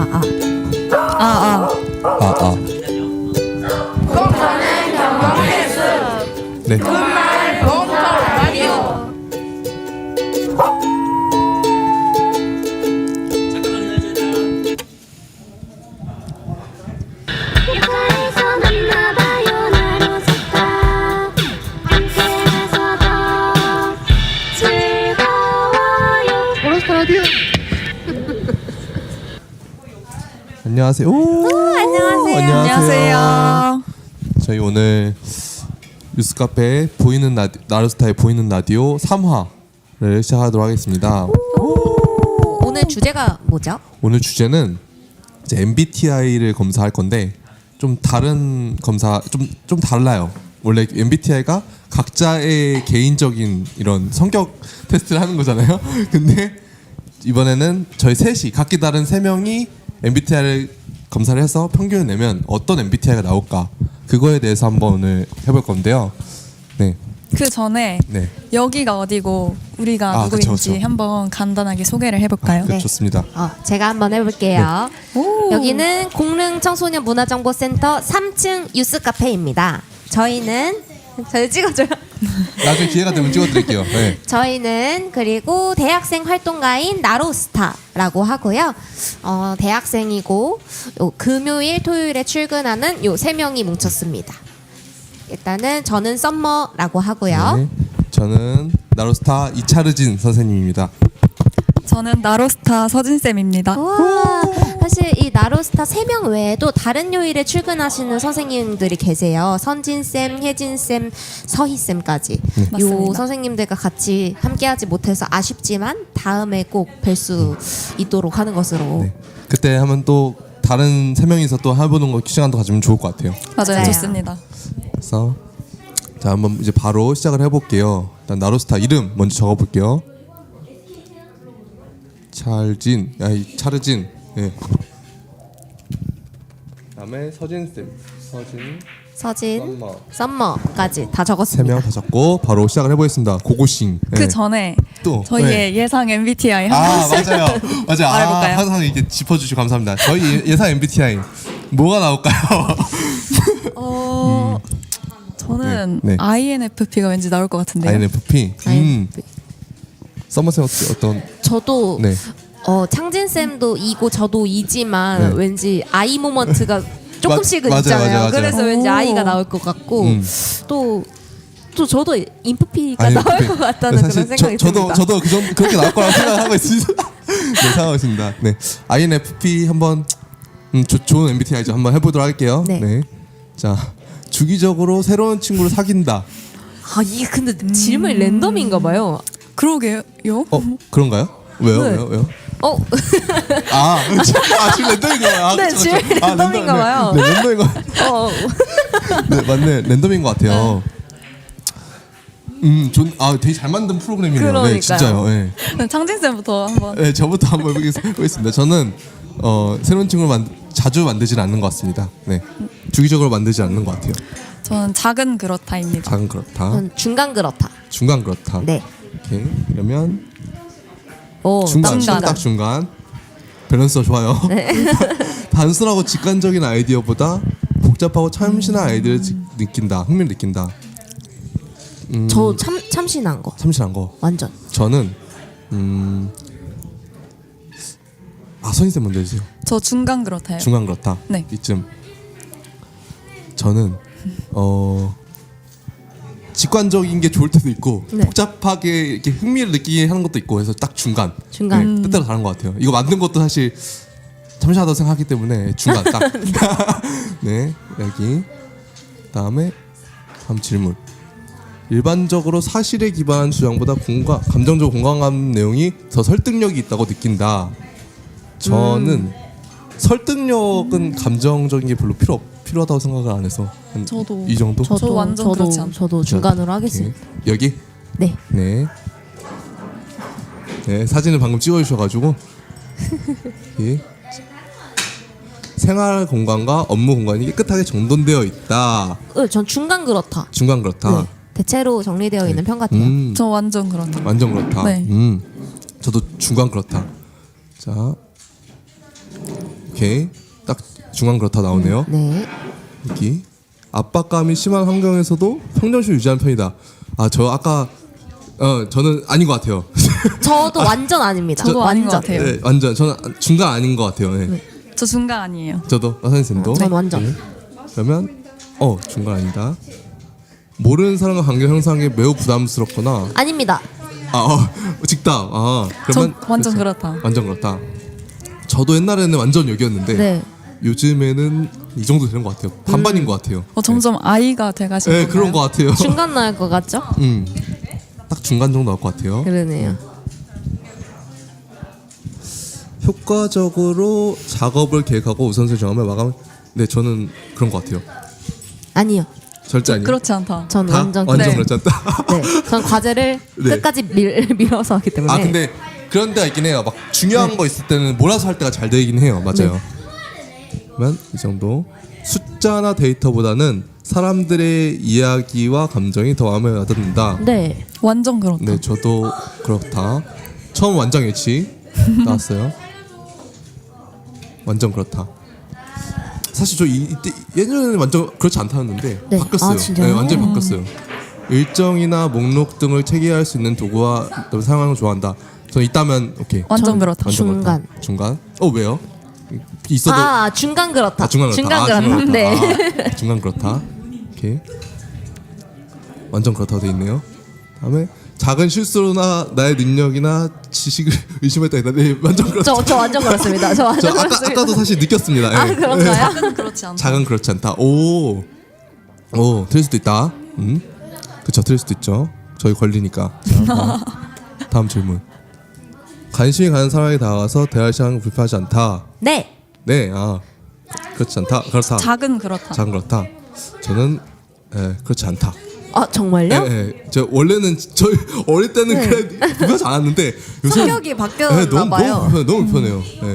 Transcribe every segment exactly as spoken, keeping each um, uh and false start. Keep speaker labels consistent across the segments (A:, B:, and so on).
A: 아, 아, 아.
B: 아, 아.
C: 공터는 경험의 숲.
B: 네.
C: 굿말 공터 라디오.
D: 육아에서 만나봐요 나로서다 함께해서 더 즐거워요.
B: 오로스타 라디오. 안녕하세요. 오,
A: 안녕하세요.
B: 안녕하세요. 저희 오늘 뉴스카페 보이는 라디, 나루스타의 보이는 라디오 삼 화를 시작하도록 하겠습니다.
A: 오, 오늘 주제가 뭐죠?
B: 오늘 주제는 이제 엠비티아이를 검사할 건데 좀 다른 검사 좀 좀 달라요. 원래 엠비티아이가 각자의 개인적인 이런 성격 테스트를 하는 거잖아요. 근데 이번에는 저희 셋이 각기 다른 세 명이 엠비티아이를 검사를 해서 평균을 내면 어떤 엠비티아이가 나올까 그거에 대해서 한번 오늘 해볼 건데요. 네,
E: 그 전에
B: 네,
E: 여기가 어디고 우리가
B: 아,
E: 누구인지
B: 그쵸, 그쵸.
E: 한번 간단하게 소개를 해볼까요?
B: 그 좋습니다.
A: 어, 제가 한번 해볼게요.
E: 오.
A: 여기는 공릉 청소년 문화정보센터 삼 층 유스 카페입니다. 저희는 저희 찍어줘요.
B: 나중에 기회가 되면 찍어드릴게요. 네.
A: 저희는 그리고 대학생 활동가인 나로스타라고 하고요. 어, 대학생이고 요 금요일, 토요일에 출근하는 요 세 명이 뭉쳤습니다. 일단은 저는 썸머라고 하고요.
B: 네. 저는 나로스타 이차르진 선생님입니다.
E: 저는 나로스타 서진쌤입니다.
A: 와, 사실 이 나로스타 세 명 외에도 다른 요일에 출근하시는 선생님들이 계세요. 선진쌤, 혜진쌤, 서희쌤까지. 요
E: 맞습니다.
A: 선생님들과 같이 함께하지 못해서 아쉽지만 다음에 꼭 뵐 수 있도록 하는 것으로.
B: 네. 그때 하면 또 다른 세 명이서 또 해보는 거 시간도 가지면 좋을 것 같아요.
E: 맞아요,
A: 맞아요.
E: 좋습니다.
B: 그래서 자 한번 이제 바로 시작을 해볼게요. 일단 나로스타 이름 먼저 적어볼게요. 찰진, 아이 차르진. 예. 그다음에 서진 쌤, 서진,
A: 서진,
B: 썸머.
A: 썸머까지 다
B: 세
A: 적었습니다.
B: 명 다 적고 바로 시작을 해보겠습니다. 고고싱.
E: 그
B: 예.
E: 전에
B: 또
E: 저희의
B: 네.
E: 예상 엠비티아이 한
B: 아
E: 번씩
B: 맞아요, 맞아요. 아,
E: 말해볼까요?
B: 항상 이렇게 짚어주시고 감사합니다. 저희 예- 예상 엠비티아이 뭐가 나올까요?
E: 어, 저는
B: 네, 네.
E: 아이엔에프피가 왠지 나올 것 같은데요.
B: 아이엔에프피. 음.
A: 아이엔에프피.
B: 썸머쌤 어떻게 어떤?
A: 저도
B: 네.
A: 어, 창진쌤도 이고 저도 이지만
B: 네.
A: 왠지 아이 모먼트가 조금씩은
B: 맞아요,
A: 있잖아요.
B: 맞아요, 맞아요.
A: 그래서 왠지
E: 오.
A: 아이가 나올 것 같고
B: 음.
A: 또, 또 저도 인프피가
B: 아니,
A: 나올
B: 그-
A: 것 같다는
B: 사실
A: 그런 생각이
B: 저,
A: 듭니다.
B: 저도 저도 그 정, 그렇게 나올 거라고 생각하고 있습니다. 네, 생각하고 있습니다. 네, 아이엔에프피 한번 음, 조, 좋은 엠비티아이죠. 한번 해보도록 할게요.
A: 네.
B: 자, 주기적으로 새로운 친구를 사귄다.
A: 아 이게 근데 질문이 랜덤인가 봐요.
E: 그러게요.
B: 어, 그런가요? 왜요?
A: 네.
B: 왜요? 왜요?
A: 어
B: 아, 아 지금 랜덤인가 봐요. 아,
A: 네,
B: 그쵸,
A: 지금
B: 그쵸. 아,
A: 랜덤인가
B: 랜덤,
A: 봐요.
B: 네, 네, 랜덤인 거.
A: 어.
B: 네, 맞네. 랜덤인 것 같아요. 음, 존, 아, 되게 잘 만든 프로그램이네요. 네,
A: 그러니까요.
B: 진짜요. 네.
E: 창진쌤부터 한번.
B: 네, 저부터 한번 해보겠습니다. 저는 어, 새로운 친구를 만, 자주 만들지는 않는 것 같습니다. 네, 주기적으로 만들지 않는 것 같아요.
E: 저는 작은 그렇다입니다.
B: 작은 그렇다,
A: 저는 중간 그렇다.
B: 중간 그렇다.
A: 네.
B: 오케이. 그러면
A: 오,
B: 중간,
A: 중간.
B: 딱 중간. 밸런스가 좋아요. 단순하고 직관적인 아이디어보다 복잡하고 참신한 아이디어를 지- 느낀다, 흥미를 느낀다. 음,
A: 저 참 참신한 거
B: 참신한 거.
A: 완전.
B: 저는 음, 아 선생님 먼저 해주세요.
E: 저 중간 그렇다요.
B: 중간 그렇다.
E: 네.
B: 이쯤 저는 어 직관적인 게 좋을 때도 있고
A: 네.
B: 복잡하게 이렇게 흥미를 느끼게 하는 것도 있고 해서 딱 중간.
A: 중간.
B: 네, 뜻대로 다른 것 같아요. 이거 만든 것도 사실 참신하다고 생각하기 때문에 중간 딱. 네, 여기 다음에 다음 질문. 일반적으로 사실에 기반한 주장보다 공감, 감정적 공감한 내용이 더 설득력이 있다고 느낀다. 저는
A: 음.
B: 설득력은 감정적인 게 별로 필요 없, 필요하다고 생각을 안 해서 한
E: 저도.
B: 이 정도.
E: 저 완전
A: 저도
E: 그렇지 않아요.
A: 저도 중간으로
B: 오케이.
A: 하겠습니다.
B: 여기
A: 네.
B: 네. 네, 사진을 방금 찍어주셔가지고 예. 생활 공간과 업무 공간이 깨끗하게 정돈되어 있다.
A: 어, 전 중간 그렇다.
B: 중간 그렇다.
A: 네. 대체로 정리되어 있는 편 같아요.
B: 음,
E: 저 완전 그렇다.
B: 완전 그렇다.
E: 네.
B: 음, 저도 중간 그렇다. 자, 오케이. 오케이. 딱 중간 그렇다 나오네요.
A: 네.
B: 여기 압박감이 심한 환경에서도 평정심을 유지하는 편이다. 아, 저 아까 어 저는 아닌 것 같아요.
A: 저도 완전 아닙니다.
E: 저도 아닌 것
A: 완전.
E: 같아요.
B: 네, 완전 저는 중간 아닌 것 같아요. 네.
E: 저 중간 아니에요.
B: 저도 선생님도.
A: 전 완전.
B: 네. 그러면 어 중간 아니다. 모르는 사람과 관계 형성하기 매우 부담스럽거나
A: 아닙니다.
B: 아 어, 직답. 아 그러면
E: 저 완전
B: 그렇죠.
E: 그렇다.
B: 완전 그렇다. 저도 옛날에는 완전 여기였는데
A: 네.
B: 요즘에는 이 정도 되는 것 같아요. 반반인 것 같아요.
E: 어, 점점 아이가 돼가시는
B: 네,
E: 건가요?
B: 그런 것 같아요.
A: 중간 나올 것 같죠?
B: 음, 딱 중간 정도 나올 것 같아요.
A: 그러네요.
B: 효과적으로 작업을 계획하고 우선순위 정하면 마감. 네, 저는 그런 것 같아요.
A: 아니요.
B: 절대 아니에요.
E: 그렇지 않다.
A: 전
B: 다?
A: 완전
B: 완전
E: 네.
B: 그렇지 않다.
A: 네. 전 과제를
B: 네.
A: 끝까지 밀, 밀어서 하기 때문에.
B: 아 근데 그런 데가 있긴 해요. 막 중요한
A: 네.
B: 거 있을 때는 몰아서 할 때가 잘 되긴 해요. 맞아요. 그러면 이 정도 숫자나 데이터보다는 사람들의 이야기와 감정이 더 마음에 와닿는다.
A: 네.
E: 완전 그렇다.
B: 네, 저도 그렇다. 처음 완전 일치 나왔어요. 완전 그렇다. 사실 저 이, 이때 예전에는 완전 그렇지 않다는데
A: 네.
B: 바뀌었어요.
A: 아, 진짜요?
B: 네, 완전히 바뀌었어요. 일정이나 목록 등을 체계할 수 있는 도구와 사용하는 걸 좋아한다. 저는 있다면 오케이.
E: 완전
A: 전
E: 그렇다.
B: 완전
A: 중간.
B: 그렇다. 중간. 어 왜요? 있어도
A: 아, 중간 그렇다.
B: 아, 중간 그렇다. 아,
A: 그렇다.
B: 중간 그렇다.
A: 네.
B: 아, 중간 그렇다. 오케이. 완전 그렇다고 돼 있네요. 다음에 작은 실수로나 나의 능력이나 지식을 의심했다 했다. 네, 완전 그렇다.
A: 저, 저 완전 그렇습니다. 저
B: 저
A: 완전
B: 아까
A: 그렇습니다.
B: 아까도 사실 느꼈습니다.
A: 아,
B: 예.
A: 그런가요?
E: 작은 그렇지 않다.
B: 작은 그렇지 않다. 오, 오, 틀릴 수도 있다. 음, 그렇죠, 틀릴 수도 있죠. 저희 걸리니까. 자, 다음, 다음 질문. 관심이 가는 사람에게 다가가서 대화를 시작하는 건 불편하지 않다.
A: 네.
B: 네, 아, 그렇지 않다. 그렇다.
E: 작은 그렇다.
B: 작은 그렇다. 저는 예, 그렇지 않다.
A: 아, 정말요?
B: 예, 예. 저 원래는 저희 어릴 때는
A: 네.
B: 그래 불편하지 않았는데 요새
A: 성격이 바뀌었나
B: 너무,
A: 봐요.
B: 너무 불편해, 너무 불편해요. 예.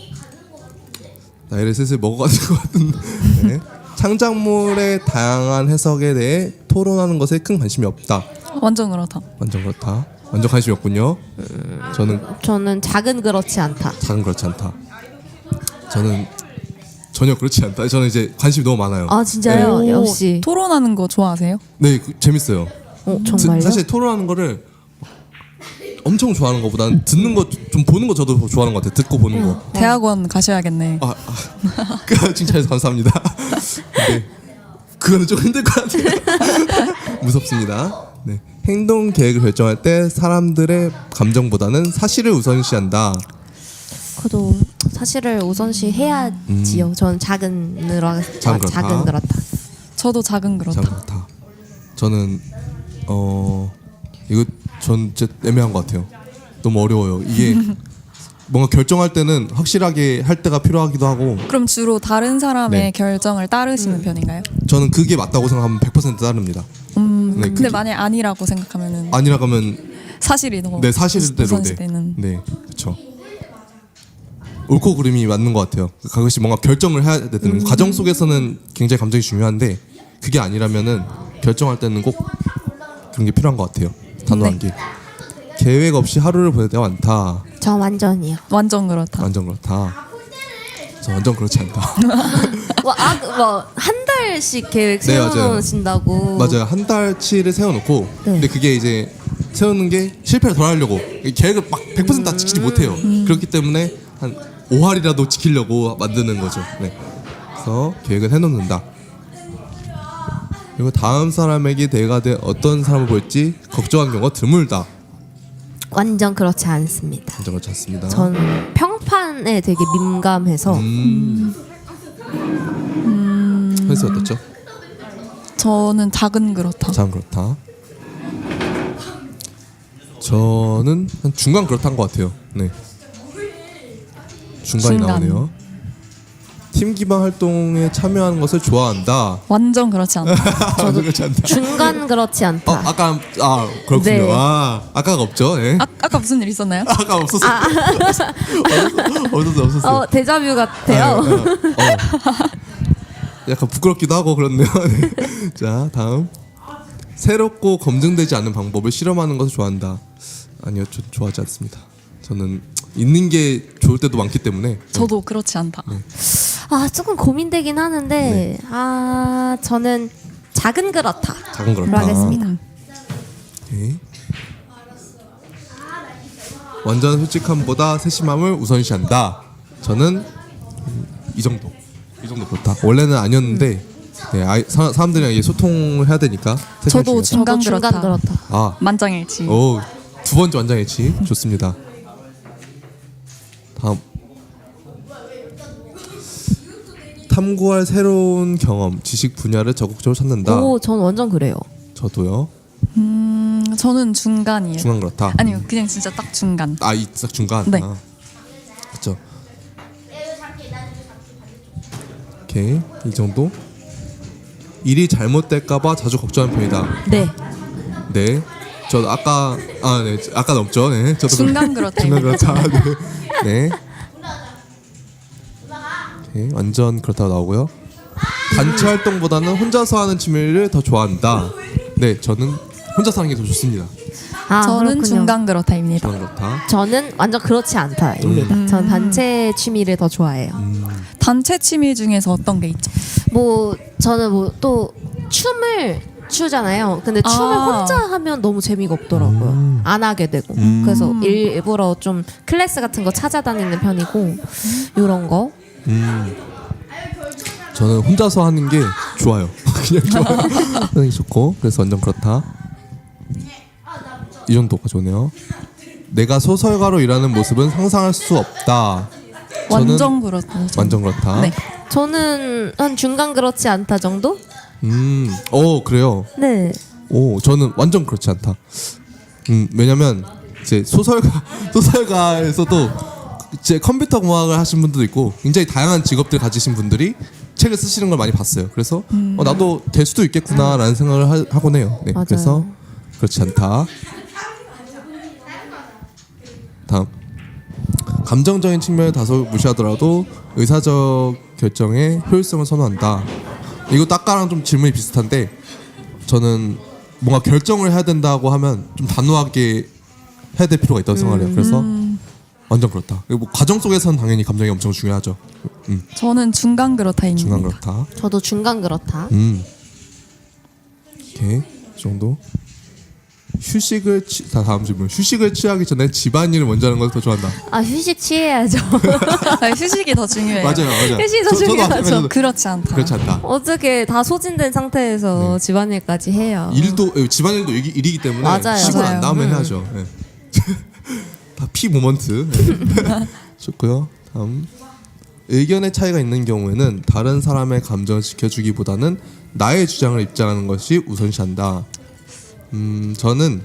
B: 나이를 슬슬 먹어가는 것 같은데. 네. 창작물의 다양한 해석에 대해 토론하는 것에 큰 관심이 없다.
E: 완전 그렇다.
B: 완전 그렇다. 완전 관심이 없군요. 저는
A: 저는 작은 그렇지 않다.
B: 작은 그렇지 않다. 저는 전혀 그렇지 않다. 저는 이제 관심이 너무 많아요.
A: 아, 진짜요?
E: 오,
A: 역시.
E: 토론하는 거 좋아하세요?
B: 네, 그, 재밌어요.
A: 어, 정말요?
B: 드- 사실 토론하는 거를 엄청 좋아하는 것보다는 듣는 거 좀 보는 거 저도 좋아하는 것 같아요. 듣고 보는 거.
E: 대학원 가셔야겠네.
B: 아, 아 그 칭찬해서 감사합니다. 근데 그거는 좀 힘들 것 같아요. 무섭습니다. 네. 행동 계획을 결정할 때 사람들의 감정보다는 사실을 우선시한다.
A: 그래도 사실을 우선시 해야지요. 전 작은 그렇
B: 작은 그렇다.
A: 작은 그렇다.
E: 저도 작은 그렇다.
B: 참 그렇다. 저는 어 이거 전 진짜 애매한 것 같아요. 너무 어려워요. 이게 뭔가 결정할 때는 확실하게 할 때가 필요하기도 하고
E: 그럼 주로 다른 사람의
B: 네.
E: 결정을 따르시는 편인가요?
B: 저는 그게 맞다고 생각하면 백 퍼센트 따릅니다.
E: 음,
B: 네,
E: 근데
B: 그게-
E: 만약 아니라고 생각하면은
B: 아니라 가면
E: 사실이 더
B: 네 사실대로 네.
E: 우선시되는.
B: 네 그렇죠. 옳고 그름이 맞는 것 같아요. 가끔씩 뭔가 결정을 해야 되는
E: 음.
B: 과정 속에서는 굉장히 감정이 중요한데 그게 아니라면은 결정할 때는 꼭 그런 게 필요한 것 같아요. 단호한
E: 네.
B: 게 계획 없이 하루를 보낼 때가 많다.
A: 저 완전이요.
E: 완전 그렇다.
B: 완전 그렇다. 저 완전 그렇지 않다.
A: 와, 아, 뭐한 달씩 계획
B: 네, 맞아요.
A: 세워놓으신다고.
B: 맞아요. 한 달치를 세워놓고
A: 네.
B: 근데 그게 이제 세우는 게 실패를 덜 하려고 계획을 막 백 퍼센트 다 지키지 못해요. 그렇기 때문에 한 오 할이라도 지키려고 만드는 거죠. 네. 그래서 계획을 해놓는다. 그리고 다음 사람에게 내가 돼 어떤 사람을 볼지 걱정한 경우가 드물다.
A: 완전 그렇지 않습니다.
B: 완전 그렇지 않습니다.
A: 전 평판에 되게 민감해서
B: 음. 현수 어떻죠?
E: 저는 작은 그렇다.
B: 참 그렇다. 저는 한 중간 그렇다는 것 같아요. 네. 중간이
E: 중간.
B: 나오네요. 팀 기반 활동에 참여하는 것을 좋아한다.
E: 완전 그렇지 않다.
B: 저도 그렇지 않다.
A: 중간 그렇지 않다.
B: 어, 아까 아 그렇군요.
A: 네.
B: 아 아까가 없죠. 네.
E: 아, 아까 무슨 일 있었나요?
B: 아까 없었어. 요 없었어 없었어.
A: 어, 데자뷰 같아요.
B: 어. 약간 부끄럽기도 하고 그렇네요. 네. 자 다음 새롭고 검증되지 않은 방법을 실험하는 것을 좋아한다. 아니요, 저 좋아하지 않습니다. 저는 있는 게 좋, 좋을 때도 많기 때문에
E: 저도 그렇지 않다.
A: 아 조금 고민되긴 하는데
B: 네.
A: 아 저는 작은 그렇다.
B: 작은 그렇다.
A: 하겠습니다.
E: 음.
B: 오케이. 완전 솔직함보다 세심함을 우선시한다. 저는 음, 이 정도. 이 정도 그렇다. 원래는 아니었는데 네, 아이, 사, 사람들이랑 이게 소통을 해야 되니까 세심함이
E: 저도
B: 중요하다.
E: 중간
A: 저도 중간
E: 그렇다.
A: 그렇다.
B: 아,
E: 만장일치.
B: 오, 두 번째 완장일치 좋습니다. 다음 탐구할 새로운 경험, 지식 분야를 적극적으로 찾는다.
A: 오, 전 완전 그래요.
B: 저도요.
E: 음, 저는 중간이에요.
B: 중간 그렇다.
E: 아니요, 그냥 진짜 딱 중간.
B: 아, 이 딱 중간.
E: 네.
B: 아, 그렇죠. 오케이, 이 정도. 일이 잘못될까봐 자주 걱정하는 편이다.
A: 네.
B: 네. 저 아까 아, 네, 아까 넘죠. 네. 저도
E: 중간 그렇다.
B: 중간 그렇다. 네. 네. 오케이, 완전 그렇다고 나오고요. 단체 활동보다는 혼자서 하는 취미를 더 좋아한다. 네, 저는 혼자서 하는 게 더 좋습니다.
A: 아,
E: 저는
A: 그렇군요.
E: 중간 그렇다입니다.
B: 중간 그렇다.
A: 저는 완전 그렇지 않다입니다.
E: 음.
A: 전 단체 취미를 더 좋아해요.
E: 단체 취미 중에서 어떤 게 있죠?
A: 뭐 저는 뭐 또 춤을 추잖아요. 근데 춤을
E: 아.
A: 혼자 하면 너무 재미가 없더라고요. 안 하게 되고. 그래서 일부러 좀 클래스 같은 거 찾아다니는 편이고 이런 거.
B: 음. 저는 혼자서 하는 게 좋아요. 그냥 좋아요. 하는 게 좋고 그래서 완전 그렇다. 이 정도가 좋네요. 내가 소설가로 일하는 모습은 상상할 수 없다. 저는
E: 완전 그렇다.
B: 완전 그렇다.
E: 네.
A: 저는 한 중간 그렇지 않다 정도?
B: 음, 어 그래요.
A: 네.
B: 오, 저는 완전 그렇지 않다. 음, 왜냐면 이제 소설가 소설가에서도 이제 컴퓨터 공학을 하신 분들도 있고 굉장히 다양한 직업들 가지신 분들이 책을 쓰시는 걸 많이 봤어요. 그래서 어, 나도 될 수도 있겠구나라는 생각을 하, 하곤 해요. 네,
A: 맞아요.
B: 그래서 그렇지 않다. 다음 감정적인 측면을 다소 무시하더라도 의사적 결정의 효율성을 선호한다. 이것도 아까랑 좀 질문이 비슷한데 저는 뭔가 결정을 해야 된다고 하면 좀 단호하게 해야 될 필요가 있다고 생각해요. 그래서 완전 그렇다. 그리고 뭐 과정 속에서는 당연히 감정이 엄청 중요하죠. 음,
E: 저는 중간 그렇다입니다.
B: 중간 그렇다.
A: 저도 중간 그렇다.
B: 음, 오케이, 이 정도. 휴식을 취, 다 다음 질문. 휴식을 취하기 전에 집안일을 먼저 하는 걸 더 좋아한다.
A: 아 휴식 취해야죠.
E: 아, 휴식이 더 중요해요.
B: 맞아요, 맞아요.
A: 휴식이 더
B: 저- 저도
A: 중요하죠.
B: 마찬가지로
E: 그렇지 않다.
B: 그렇지 않다.
A: 어떻게 다 소진된 상태에서
B: 네.
A: 집안일까지 해요.
B: 일도 에, 집안일도 일이, 일이기 때문에
A: 맞아요.
B: 쉬고
E: 맞아요.
B: 난 다음에 해야죠. 네. 다 피 모먼트. 네. 좋고요. 다음 의견의 차이가 있는 경우에는 다른 사람의 감정을 지켜주기보다는 나의 주장을 입장하는 것이 우선시한다. 음, 저는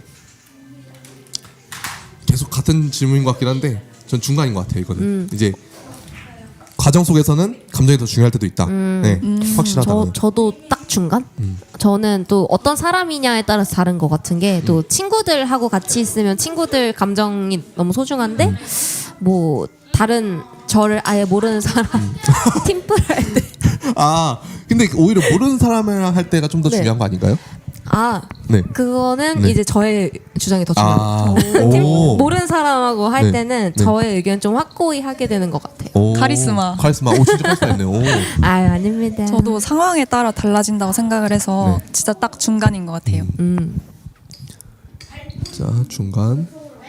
B: 계속 같은 질문인 것 같긴 한데 전 중간인 것 같아요. 이거는
A: 음.
B: 이제 과정 속에서는 감정이 더 중요할 때도 있다. 네, 확실하다는.
A: 저 저도 딱 중간.
B: 음.
A: 저는 또 어떤 사람이냐에 따라서 다른 것 같은 게 또
B: 음.
A: 친구들하고 같이 있으면 친구들 감정이 너무 소중한데
B: 음.
A: 뭐 다른 저를 아예 모르는 사람
B: 음.
A: 팀플 할 때.
B: 아, 근데 오히려 모르는 사람이랑 할 때가 좀 더
A: 네.
B: 중요한 거 아닌가요?
A: 아
B: 네.
A: 그거는
B: 네.
A: 이제 저의 주장이 더 중요해요.
B: 아,
A: 팀-
B: 오.
A: 모르는 사람하고 할
B: 네.
A: 때는
B: 네.
A: 저의 의견 좀 확고히 하게 되는 것 같아요.
B: 오.
E: 카리스마.
B: 카리스마. 오, 진짜 카리스마였네요. 오.
A: 아유 아닙니다.
E: 저도 상황에 따라 달라진다고 생각을 해서
B: 네.
E: 진짜 딱 중간인 것 같아요.
A: 음.
B: 자, 중간.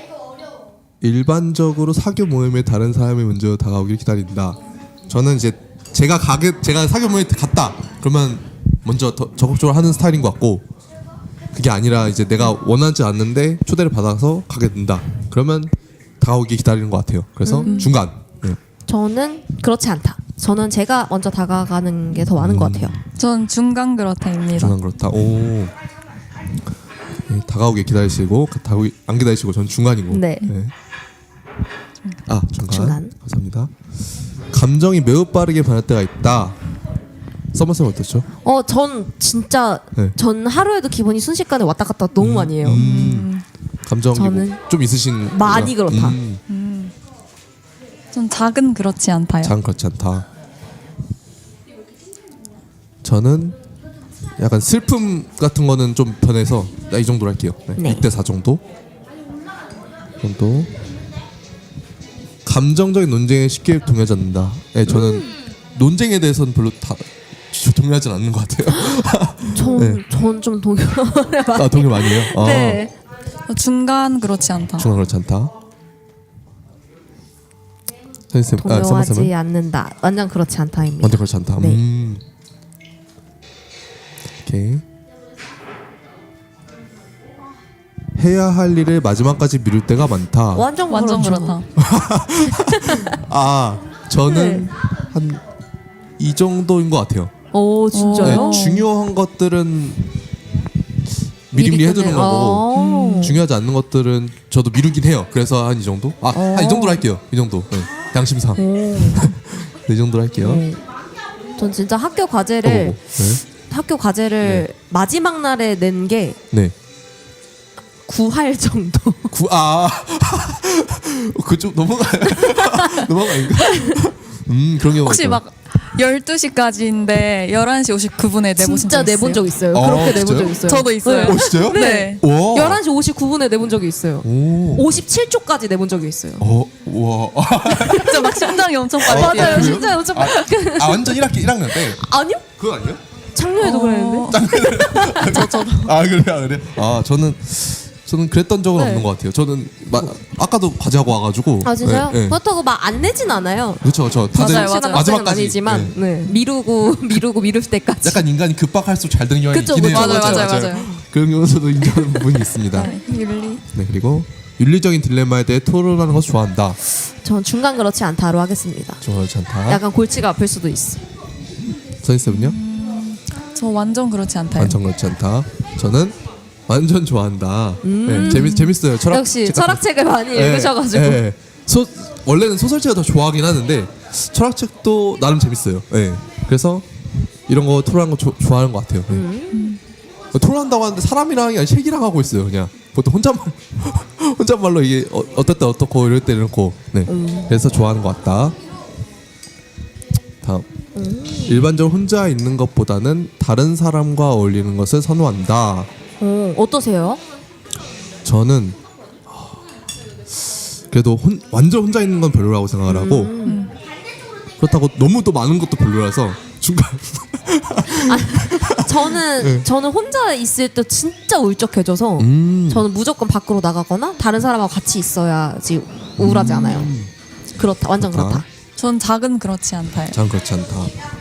B: 일반적으로 사교 모임에 다른 사람이 먼저 다가오길 기다린다. 저는 이제 제가 가게 제가 사교 모임에 갔다. 그러면 먼저 더 적극적으로 하는 스타일인 것 같고 그게 아니라 이제 내가 원하지 않는데 초대를 받아서 가게 된다. 그러면 다가오기 기다리는 것 같아요. 그래서 중간. 네.
A: 저는 그렇지 않다. 저는 제가 먼저 다가가는 게 더 많은 것 같아요.
E: 전 중간 그렇다입니다.
B: 중간 그렇다. 오. 네, 다가오게 기다리시고 다가오기 안 기다리시고 전 중간이고.
A: 네.
B: 아 중간.
A: 중간.
B: 감사합니다. 감정이 매우 빠르게 변할 때가 있다. 서머쌤 어떻죠?
A: 어, 전 진짜
B: 네.
A: 전 하루에도 기본이 순식간에 왔다 갔다 너무 많이 해요.
B: 음. 감정이
A: 저는
B: 뭐 좀 있으신.
A: 많이
B: 거죠?
A: 그렇다.
B: 음,
E: 전 작은 그렇지 않다요.
B: 장 그렇지 않다. 저는 약간 슬픔 같은 거는 좀 변해서 이 정도로 할게요. 네.
A: 네.
B: 육 대 사 정도. 정도. 감정적인 논쟁에 쉽게 동요하지 않는다. 네, 저는
A: 음.
B: 논쟁에 대해서는 별로 다 동요하지 않는 것 같아요. 네.
A: 전전좀 동요.
B: 아, 동요 많이 해요? 아,
A: 네.
E: 중간 그렇지 않다.
B: 중간 그렇지 않다. 선생님, 아,
A: 동요하지
B: 서머쌤은
A: 않는다. 완전 그렇지 않다입니다.
B: 완전 그렇지 않다.
A: 네.
B: 음. 오케이. 해야 할 일을 마지막까지 미룰 때가 많다.
A: 완전
E: 완전
A: 그렇죠.
E: 그렇다.
B: 아, 저는
A: 네.
B: 한 이 정도인 것 같아요.
A: 오
B: 네,
A: 진짜요?
B: 중요한 것들은 미리미리
A: 미리
B: 해두는
A: 끝내-
B: 거고
A: 아.
B: 중요하지 않는 것들은 저도 미루긴 해요. 그래서 한 이 정도? 아, 한 이 정도로 할게요. 이 정도. 네. 양심상. 네, 이 정도로 할게요.
A: 네. 전 진짜 학교
B: 어,
A: 과제를
B: 뭐, 네.
A: 학교 과제를 마지막 날에 낸 게
B: 네.
A: 구할 정도.
B: 구, 아, 그쪽 넘어가요. 넘어가인가? 음, 그런 경우가
E: 혹시
B: 있죠.
E: 막 열두 시까지인데 열한 시 오십구 분에 내보신
A: 진짜
E: 적 있어요?
A: 내본 적 있어요.
B: 아,
A: 그렇게 내본
B: 진짜요?
A: 적 있어요.
E: 저도 있어요.
B: 어, 진짜요?
E: 네.
B: 와.
A: 열한 시 오십구 분에 내본 적이 있어요.
B: 오.
A: 오십칠 초까지 내본 적이 있어요.
B: 어, 와.
E: 진짜 막 심장이 엄청 빨리
B: 어,
E: 뛰어요.
A: 맞아요.
B: 그래요?
A: 진짜 엄청
B: 아, 아, 완전 일 학기 일 학년 때.
A: 아니요?
B: 그거 아니에요?
A: 작년에도
E: 어.
A: 그랬는데.
E: 저 저도.
B: 아, 그래요, 아, 그래요? 아, 저는 저는 그랬던 적은
A: 네.
B: 없는 것 같아요. 저는 마, 아까도 과제하고 와가지고.
A: 아 진짜요?
B: 네, 네.
A: 그렇다고 막 안 내진 않아요.
B: 그렇죠, 저 다들
E: 맞아요, 맞아요.
A: 시간
B: 마지막까지.
A: 아니지만
B: 네.
A: 네. 미루고 미루고 미룰 때까지.
B: 약간 인간이 급박할수록 잘 되는 경향이
A: 그쵸,
B: 있긴 해요.
E: 그쵸. 맞아요, 맞아요, 맞아요.
B: 그런 경우도 인정하는 부분이 있습니다.
E: 네, 윤리.
B: 네, 그리고 윤리적인 딜레마에 대해 토론하는 것을 좋아한다.
A: 전 중간 그렇지 않다로 하겠습니다.
B: 좋아하지 않다.
A: 약간 골치가 아플 수도 있어.
B: 선생님은요?
E: 저 완전 그렇지 않다요.
B: 완전 그렇지 않다. 저는 완전 좋아한다. 네, 재밌 재밌어요. 철학
A: 음. 역시
B: 책 같은
A: 철학책을 많이
B: 네,
A: 읽으셔가지고.
B: 네. 소, 원래는 소설책을 더 좋아하긴 하는데 철학책도 나름 재밌어요. 네. 그래서 이런 거 토론하는 거 조, 좋아하는 것 같아요. 네.
A: 음.
B: 토론한다고 하는데 사람이랑 아니라 책이랑 하고 있어요. 그냥 보통 혼잣말 혼잣말로 이게 어, 어떨 때 어떻고 이럴 때 이렇고. 네.
A: 음.
B: 그래서 좋아하는 것 같다. 다음.
A: 음.
B: 일반적으로 혼자 있는 것보다는 다른 사람과 어울리는 것을 선호한다.
A: 어, 어떠세요?
B: 저는 그래도 혼, 완전 혼자 있는 건 별로라고 생각을 하고
A: 음.
B: 그렇다고 너무 또 많은 것도 별로라서 중간.
A: 저는
B: 네.
A: 저는 혼자 있을 때 진짜 울적해져서
B: 음.
A: 저는 무조건 밖으로 나가거나 다른 사람하고 같이 있어야지 우울하지 않아요. 그렇다, 완전
B: 그렇다.
A: 그렇다.
E: 전 작은 그렇지 않다요.
B: 전 그렇지 않다.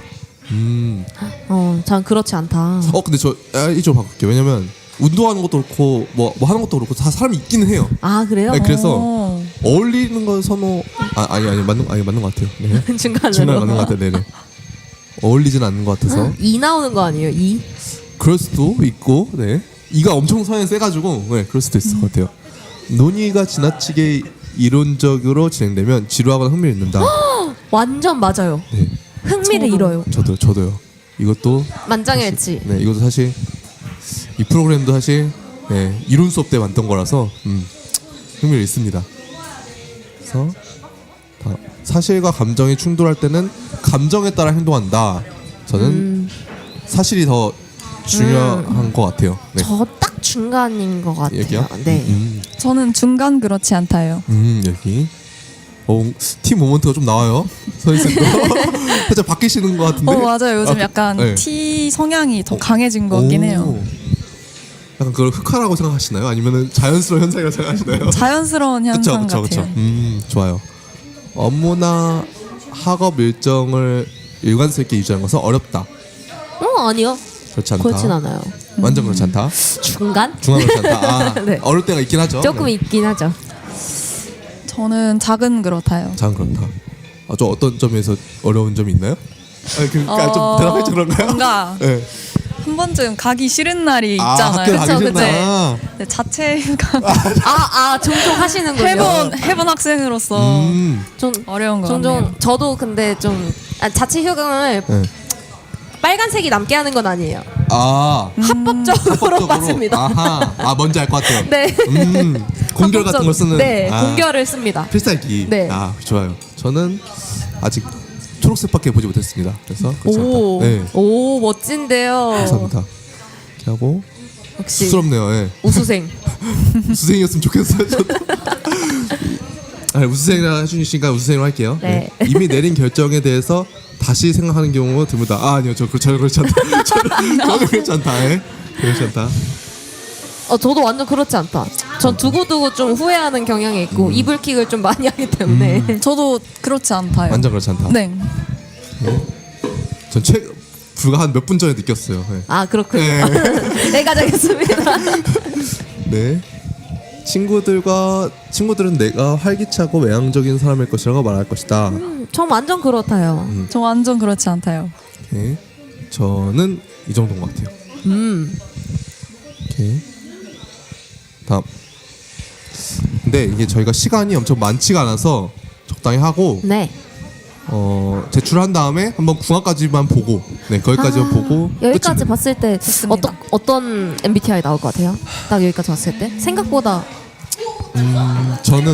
B: 음.
A: 어, 전 그렇지 않다.
B: 어 근데 저 아, 이쪽으로 바꿀게요. 왜냐면 운동하는 것도 그렇고 뭐, 뭐 하는 것도 그렇고 다 사람이 있기는 해요.
A: 아 그래요?
B: 네, 그래서
E: 어.
B: 어울리는 건 선호 아, 아니 아니 맞는 아니 맞는 것 같아요. 네.
A: 중간으로.
B: 중간 맞는 것 같아요. 네네. 어울리진 않는 것 같아서
A: 이 나오는 거 아니에요? 이?
B: 그럴 수도 있고 네 이가 엄청 성향이 세가지고 네 그럴 수도 있을 것 같아요. 논의가 지나치게 이론적으로 진행되면 지루하거나 흥미를 잃는다.
A: 완전 맞아요.
B: 네
A: 흥미를
E: 저도.
A: 잃어요.
B: 저도 저도요. 이것도
A: 만장일치.
B: 네 이것도 사실 이 프로그램도 사실 네, 이론 수업 때 만든 거라서 음, 흥미를 잃습니다. 그래서 다, 사실과 감정이 충돌할 때는 감정에 따라 행동한다. 저는
A: 음,
B: 사실이 더 중요한 것 같아요. 네.
A: 저 딱 중간인 것 같아요.
B: 여기요?
A: 네.
B: 음,
E: 저는 중간 그렇지 않다요.
B: 음 여기. 어, 팀 모먼트가 좀 나와요. 선생님도 살짝 바뀌시는 것 같은데.
E: 어 맞아요. 요즘
B: 아,
E: 약간
B: 네.
E: T 성향이 더 강해진 것 같긴
B: 오.
E: 해요.
B: 약간 그걸 흑화라고 생각하시나요? 아니면은 자연스러운 현상이라고 생각하시나요?
E: 자연스러운
B: 그쵸,
E: 현상
B: 그쵸,
E: 같아요.
B: 그쵸. 음, 좋아요. 업무나 학업 일정을 일관성 있게 유지하는 것은 어렵다.
A: 어 아니요.
B: 그렇지 않다.
A: 그렇진 않아요.
B: 완전 그렇지 않다.
A: 중간?
B: 중간 그렇지 않다. 아,
A: 네.
B: 어려울 때가 있긴 하죠.
A: 조금
B: 네.
A: 있긴 하죠.
E: 저는 작은 그렇다요.
B: 참 그렇다. 아, 저 어떤 점에서 어려운 점이 있나요? 아, 그러니까
E: 어,
B: 좀 대답해줘 그런가요?
E: 뭔가
B: 네.
E: 한 번쯤 가기 싫은 날이
B: 아,
E: 있잖아요.
B: 학교 가기
E: 그쵸,
B: 싫다.
E: 그쵸. 네, 자체가
A: 아, 아 종종 하시는군요.
E: 해본 해본 학생으로서
B: 음.
A: 좀
E: 어려운 거
A: 종종
E: 같네요.
A: 저도 근데 좀 아, 자체 휴강을
B: 네.
A: 빨간색이 남게 하는 건 아니에요.
B: 아,
A: 합법적으로,
B: 합법적으로.
A: 맞습니다.
B: 아하. 아, 뭔지 알 것 같아요.
A: 네.
B: 음. 공결 같은 걸 쓰는.
A: 네,
B: 아.
A: 공결을 씁니다.
B: 필살기.
A: 네.
B: 아 좋아요. 저는 아직 초록색밖에 보지 못했습니다. 그래서 그렇지
A: 오,
B: 않다. 네.
A: 오 멋진데요.
B: 감사합니다. 이렇게 하고
A: 역시
B: 쑥스럽네요. 예.
A: 우수생.
B: 수생이었으면 좋겠어요. 저도. 아, 우수생이라 해주시니까 우수생으로 할게요.
A: 네.
B: 이미 내린 결정에 대해서 다시 생각하는 경우가 드물다. 아, 아니요, 저 그- 저는 그렇지 않다. 저는, 저는 그렇지 않다. 예. 그렇지 않다.
A: 어 저도 완전 그렇지 않다. 전 두고두고 좀 후회하는 경향이 있고 이불킥을 좀 많이 하기 때문에.
E: 저도 그렇지 않다요.
B: 완전 그렇지 않다.
E: 네.
B: 전 최, 불과 한 몇 분 전에 느꼈어요. 예.
A: 아 그렇군요. 네 가져겠습니다.
B: 네. 친구들과 친구들은 내가 활기차고 외향적인 사람일 것이라고 말할 것이다.
A: 전 완전 그렇다요.
E: 저 완전 그렇지 않다요.
B: 오케이. 저는 이 정도인 것 같아요.
A: 음.
B: 오케이. 다음. 근데 이게 저희가 시간이 엄청 많지가 않아서 적당히 하고
A: 네.
B: 어, 제출한 다음에 한번 궁합까지만 보고 네 거기까지만
A: 아,
B: 보고
A: 여기까지
B: 끝입니다.
A: 봤을 때
E: 좋습니다.
A: 어떤 어떤 엠비티아이 나올 것 같아요? 딱 여기까지 봤을 때 생각보다
B: 저는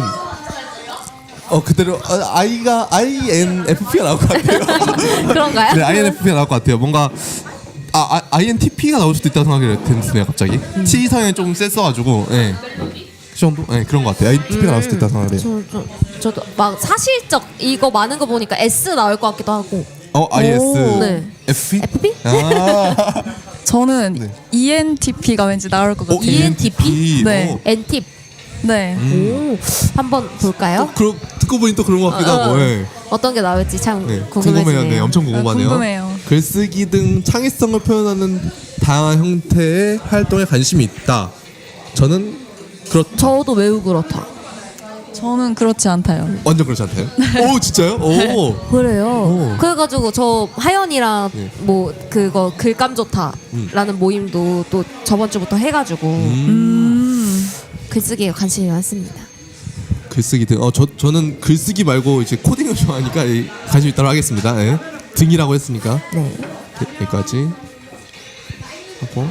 B: 어 그대로 어, I가 아이엔에프피가 나올 것 같아요.
A: 그런가요?
B: 네, 아이엔에프피가 나올 것 같아요. 뭔가 아, 아 아이엔티피가 나올 수도 있다는 생각이 드네요, 갑자기.
A: 음.
B: T 성향이 좀 셌어가지고, 예. 그 정도, 예, 그런 것 같아요. 아이엔티피가 나올 수도 있다는 생각을 해요.
A: 저, 저, 저도 막 사실적 이거 많은 거 보니까 S 나올 것 같기도 하고.
B: 어, 아이에스,
A: 네.
B: 에프피?
A: 에프피?
B: 아,
E: 저는
B: 네.
E: 이엔티피가 왠지 나올 것
B: 어,
E: 같아요.
A: 이엔티피?
E: 네.
B: 어,
A: N팁.
E: 네.
A: 오, 한번 볼까요?
B: 그러, 듣고 보니 또 그런 것 같기도
A: 어,
B: 하고,
A: 어.
B: 예.
A: 어떤 게 나올지 참
B: 네,
A: 궁금해지네요.
B: 궁금해요. 네, 엄청 궁금하네요.
E: 아, 궁금해요.
B: 글쓰기 등 창의성을 표현하는 다양한 형태의 활동에 관심이 있다. 저는 그렇다.
A: 저도 매우 그렇다.
E: 저는 그렇지 않다요.
B: 완전 그렇지 않다요? 오, 진짜요? 오.
A: 그래요.
B: 오.
A: 그래가지고 저 하연이랑
B: 네.
A: 뭐 그거 글감 좋다라는 모임도 또 저번 주부터 해가지고
E: 음.
A: 글쓰기에 관심이 많습니다.
B: 글쓰기 등. 어, 저 저는 글쓰기 말고 이제 코딩을 좋아하니까 이, 관심 있다고 하겠습니다. 예. 등이라고 했으니까
A: 네.
B: 네, 여기까지 하고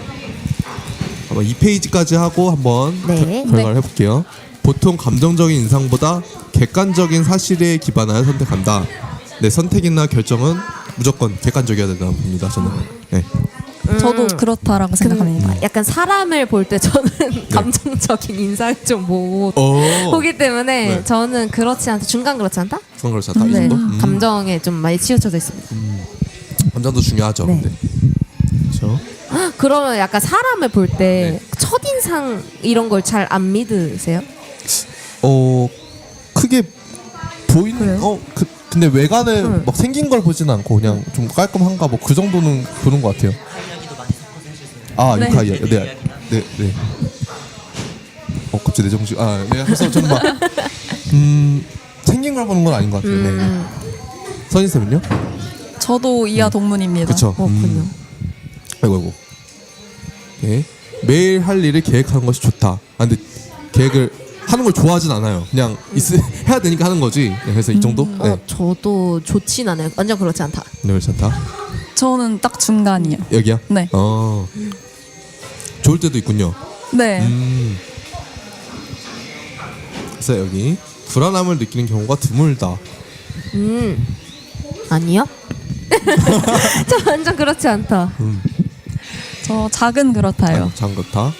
B: 한번 이 페이지까지 하고 한번
A: 네.
B: 결- 결과를 해볼게요. 보통 감정적인 인상보다 객관적인 사실에 기반하여 선택한다. 네, 선택이나 결정은 무조건 객관적이어야 된다고 봅니다. 저는. 네.
E: 저도 그렇다라고 생각합니다.
A: 약간 사람을 볼 때 저는 감정적인 인상을 좀 보고
B: 어.
A: 보기 때문에
B: 네.
A: 저는 그렇지 않다. 중간 그렇지 않다?
B: 그건 그렇지 않다. 이
A: 네.
B: 정도? 음.
A: 감정에 좀 많이 치우쳐져 있습니다.
B: 감정도 중요하죠.
A: 네.
B: 근데. 그렇죠.
A: 그러면 약간 사람을 볼 때
B: 네.
A: 첫인상 이런 걸 잘 안 믿으세요?
B: 어 크게 보이는
A: 그래요?
B: 어 그, 근데 외관에
A: 응.
B: 막 생긴 걸 보지는 않고 그냥 좀 깔끔한가 뭐 그 정도는 보는 것 같아요. 아
E: 네.
B: 유카이요. 네, 네, 네. 어 갑자기 내 정신. 아, 네. 그래서 저는 막음 생긴 걸 보는 건 아닌 것 같아요. 네.
A: 음,
B: 선희 쌤은요?
E: 저도 이하 동문입니다.
B: 그렇죠.
A: 그렇군요.
B: 아이고 아이고. 네. 매일 할 일을 계획하는 것이 좋다. 아 근데 계획을 하는 걸 좋아하진 않아요. 그냥 있, 해야 되니까 하는 거지. 네, 그래서 이 정도? 네.
A: 어, 저도 좋진 않아요. 완전 그렇지 않다.
B: 네, 괜찮다.
E: 저는 딱 중간이요.
B: 여기야?
E: 네.
B: 어. 좋을 때도 있군요.
E: 네.
B: 음. 그래서 여기 불안함을 느끼는 경우가 드물다.
A: 음, 아니요? 저 완전 그렇지 않다.
E: 저 작은 그렇다요.
B: 참 그렇다.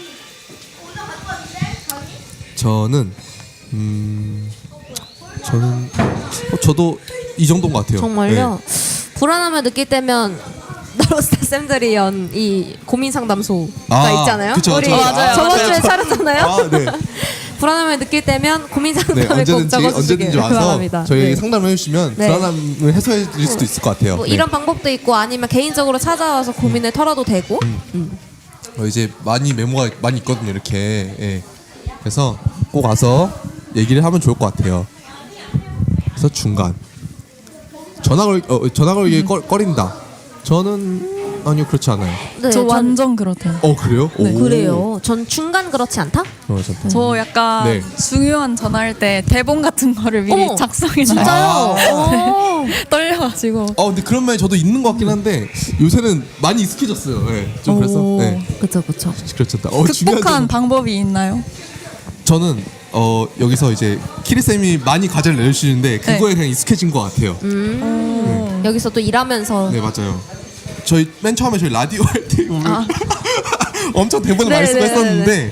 B: 저는 음 저는 어, 저도 이 정도인 것 같아요.
A: 정말요?
B: 네.
A: 불안함을 느낄 때면 나로스타 쌤들이 연 이 고민 상담소가
B: 아,
A: 있잖아요.
B: 그쵸,
A: 우리
B: 저- 맞아요,
A: 저번
B: 맞아요.
A: 주에 차렸잖아요.
B: 아, 네.
A: 불안함을 느낄 때면 고민
B: 네,
A: 상담을 꼭
B: 언제든지
A: 적어주시길
B: 언제든지 와서
A: 바랍니다.
B: 저희에게
A: 네.
B: 상담을 해주시면
A: 네.
B: 불안함을 해소해 드릴 수도 있을 것 같아요.
A: 뭐
B: 네.
A: 이런 방법도 있고 아니면 개인적으로 찾아와서 고민을 털어도 되고. 음.
B: 어, 이제 많이 메모가 많이 있거든요. 이렇게. 예. 그래서 꼭 와서 얘기를 하면 좋을 것 같아요. 그래서 중간. 전화 걸 어, 전화 걸기 꺼, 꺼린다. 저는 아니요 그렇지 않아요.
A: 네,
E: 저
A: 전-
E: 완전 그렇다요.
B: 어 그래요?
E: 네.
B: 오.
A: 그래요. 전 중간 그렇지 않다?
B: 어, 좋다.
E: 저 약간
B: 네.
E: 중요한 전화할 때 대본 같은 거를 미리
A: 어머,
E: 작성해
A: 진짜요?
B: 아.
A: 어.
E: 떨려가지고.
B: 어 근데 그런 면이 저도 있는 것 같긴 한데 요새는 많이 익숙해졌어요. 예. 좀 그래서
A: 오.
B: 네.
A: 그쵸 그쵸.
B: 그렇죠. 어, 중요한
E: 극복한
B: 점
E: 방법이 있나요?
B: 저는 어 여기서 이제 키리 쌤이 많이 과제를 내주시는데 그거에
E: 네.
B: 그냥 익숙해진 것 같아요.
A: 음. 여기서 또 일하면서
B: 네 맞아요. 저희 맨 처음에 저희 라디오 할 때 보면
E: 아.
B: 엄청 대본을 많이 쓰고
A: 네네네네.
B: 했었는데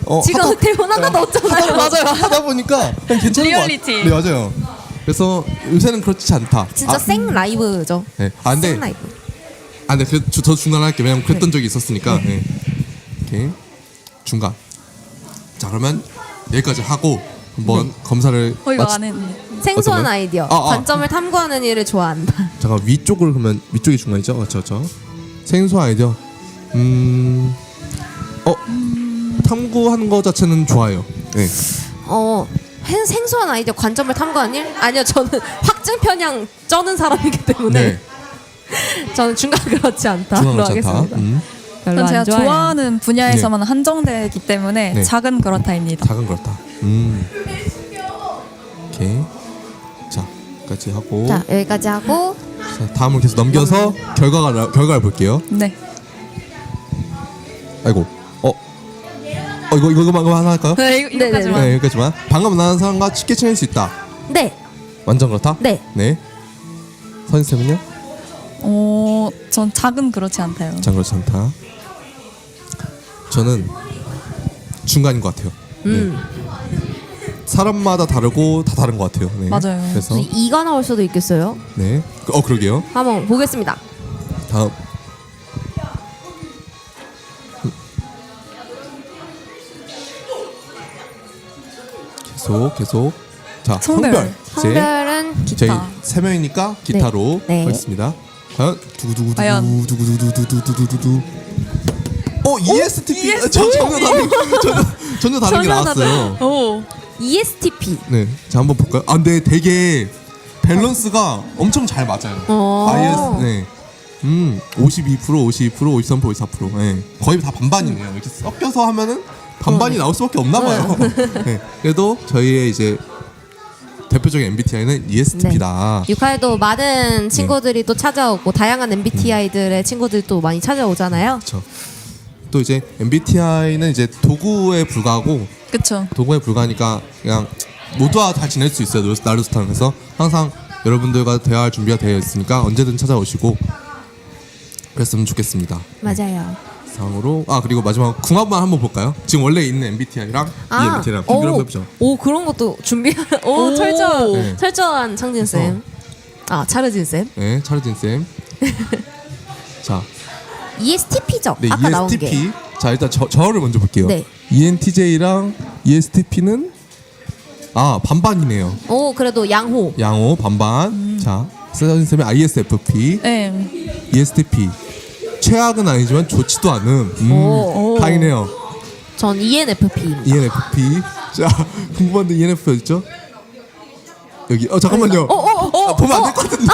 B: 어,
A: 지금
B: 하다-
A: 대본 하나도 없잖아요.
B: 맞아요. 하다 보니까 그냥 괜찮은 것
E: 리얼리티.
B: 같아요. 네 맞아요. 그래서 요새는 그렇지 않다.
A: 진짜
B: 아,
A: 생 라이브죠.
B: 네. 아 근데
A: 생 라이브.
B: 아 근데 그, 저 중단할게요. 왜냐면 그랬던 적이 있었으니까. 네. 이렇게 중간. 자 그러면 여기까지 하고 한번 검사를
E: 어 이거
B: 마치-
E: 안 했네.
A: 생소한
B: 어떤 거요?
A: 아이디어.
B: 아, 아.
A: 관점을 탐구하는 일을 좋아한다.
B: 잠깐 위쪽으로 그러면 위쪽이 중간이죠? 그렇죠, 그렇죠. 생소 아이디어. 음, 어 탐구하는 거 자체는 좋아요. 네.
A: 어 hen- 생소한 아이디어 관점을 탐구하는 일? 아니요, 저는 확증 편향 쩌는 사람이기 때문에
B: 네.
A: 저는 중간 그렇지 않다.
B: 중간
A: 로
B: 그렇지 않다.
A: 하겠습니다.
B: 음,
A: 별로
E: 전
A: 안
E: 제가
A: 좋아해요.
E: 좋아하는 분야에서만 한정되기 때문에
B: 네.
E: 작은 그렇다입니다.
B: 작은 그렇다. 음. 오케이. 자, 여기까지 하고.
A: 자 여기까지 하고
B: 자, 다음을 계속 넘겨서 결과가 나- 결과를 볼게요.
E: 네.
B: 아이고. 어. 어 이거 이거 이거 하나 할까요?
E: 네, 이거, 이거까지만.
B: 네, 여기까지만. 방금 만난 사람과 쉽게 친해질 수 있다.
A: 네,
B: 완전 그렇다?
A: 네.
B: 네. 선생님은요?
E: 어, 전 작은 그렇지 않다요.
B: 전 그렇지 않다. 저는 중간인 것 같아요.
A: 음.
B: 네. 사람마다 다르고 다 다른 것 같아요. 네.
E: 맞아요.
B: 그래서
A: 무슨 이가 나올 수도 있겠어요.
B: 네. 어 그러게요.
A: 한번 보겠습니다.
B: 다음. 계속 계속. 자
E: 성별.
B: 성별. 이제
A: 성별은
B: 저희
E: 기타.
B: 세 명이니까 기타로
A: 네.
B: 하겠습니다. 과연 두구두구
E: 과연.
B: 두구두구두구두구두구두구. 어 이에스티피 아, 저 전혀 다른 전혀 전혀 다른 게
A: 전혀
B: 나왔어요.
E: 오.
A: 이에스티피.
B: 네, 자 한번 볼까요? 아, 근데 되게 밸런스가 엄청 잘 맞아요.
A: 어.
B: 아이에스, 네, 음, 오십이 퍼센트, 오십이 퍼센트, 오십삼 퍼센트, 오십사 퍼센트, 네, 거의 다 반반이네요. 이렇게 섞여서 하면은 반반이 나올 수밖에 없나 봐요. 네, 그래도 저희의 이제 대표적인 엠비티아이는 이에스티피다.
A: 육화에도 많은 친구들이 또 찾아오고 다양한 엠비티아이들의 친구들이 또 많이 찾아오잖아요.
B: 그렇죠. 또 이제 엠비티아이는 이제 도구에 불과하고
E: 그쵸.
B: 도구에 불과하니까 그냥 모두와 다 지낼 수 있어요. 나루스타는에서 항상 여러분들과 대화할 준비가 되어 있으니까 언제든 찾아오시고 그랬으면 좋겠습니다.
A: 맞아요.
B: 상으로 아 그리고 마지막 궁합만 한번 볼까요? 지금 원래 있는 엠비티아이랑 이 엠비티아이랑 비교를 한번 해보죠.
A: 오 그런 것도 준비. 오,
E: 오.
A: 철저한
B: 네.
A: 철저한 창진 쌤. 아 차르진 쌤.
B: 네, 차르진 쌤. 자,
A: 이에스티피죠.
B: 네
A: 아까 나온 게.
B: 이에스티피. 자 일단 저 저를 먼저 볼게요.
A: 네.
B: 이엔티제이랑 이에스티피는 아 반반이네요.
A: 오 그래도 양호.
B: 양호 반반.
A: 음.
B: 자, 차르진 쌤의 아이에스에프피.
E: 네.
B: 이에스티피 최악은 아니지만 좋지도 않은 음,
A: 오. 오.
B: 다행이네요.
A: 전 이엔에프피입니다.
B: 이엔에프피 자 궁금한데 이엔에프피 어딨죠? 여기 어 잠깐만요.
A: 어, 어, 어,
B: 아, 보면 안 될 것 같은데.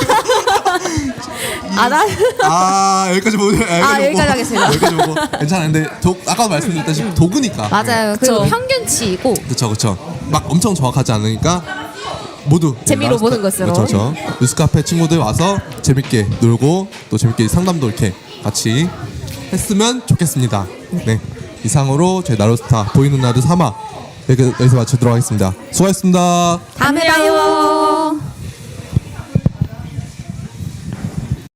A: 아 나.
B: 아 여기까지 보고 여기까지,
A: 아,
B: 보고.
A: 여기까지 하겠습니다.
B: 여기까지 보고 괜찮은데 도, 아까도 말씀드렸다시피 도구니까.
A: 맞아요. 그리고
E: 그쵸.
A: 평균치이고
B: 그렇죠 그렇죠. 막 엄청 정확하지 않으니까 모두
A: 재미로
B: 나루스카-
A: 보는 것으로.
B: 그렇죠 그렇죠. 뉴스카페 친구들 와서 재밌게 놀고 또 재밌게 상담도 이렇게 같이 했으면 좋겠습니다. 네 이상으로 저희 나루스타 보이는 라드 삼 화 여기, 여기서 마치도록 하겠습니다. 수고하셨습니다.
A: 다음에 봐요.